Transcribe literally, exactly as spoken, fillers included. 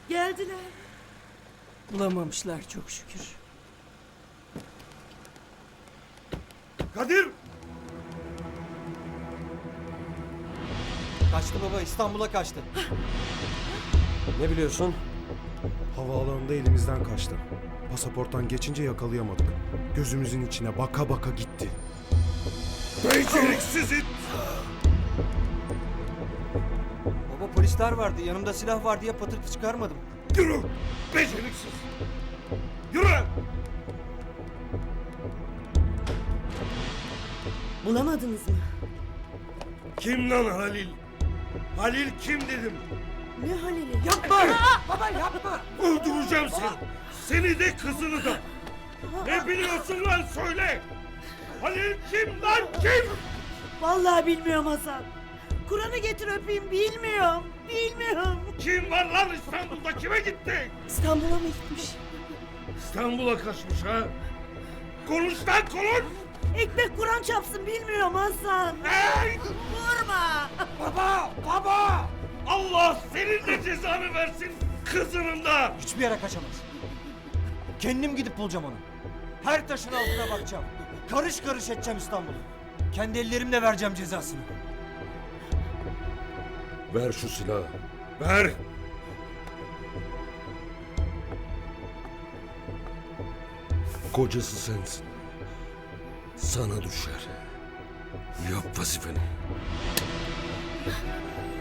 Geldiler. Bulamamışlar çok şükür. Kadir! Kaçtı baba, İstanbul'a kaçtı. Ne biliyorsun? Havaalanında elimizden kaçtı. Pasaporttan geçince yakalayamadık. Gözümüzün içine baka baka gitti. Beceriksiz it! Baba polisler vardı, yanımda silah var diye patırtı çıkarmadım. Yürü! Beceriksiz! Yürü! Bulamadınız mı? Kim lan Halil? Halil kim dedim? Ne Halil'i? Yapma! Baba yapma! Öldüreceğim seni! Seni de kızını da! Ne biliyorsun lan söyle! Halil kim lan kim? Vallahi bilmiyorum Hasan. Kur'an'ı getir öpeyim, bilmiyorum. Bilmiyorum. Kim var lan İstanbul'da kime gitti? İstanbul'a mı gitmiş? İstanbul'a kaçmış ha? Konuş lan konuş! Ekmek Kur'an çapsın, bilmiyorum Hasan. Hey! Vurma. Baba! Baba! Allah senin de cezanı versin kızının da! Hiçbir yere kaçamaz. Kendim gidip bulacağım onu. Her taşın altına bakacağım. Karış karış edeceğim İstanbul'u. Kendi ellerimle vereceğim cezasını. Ver şu silahı. Ver! Kocası sensin. Sana düşer. Yap vazifeni.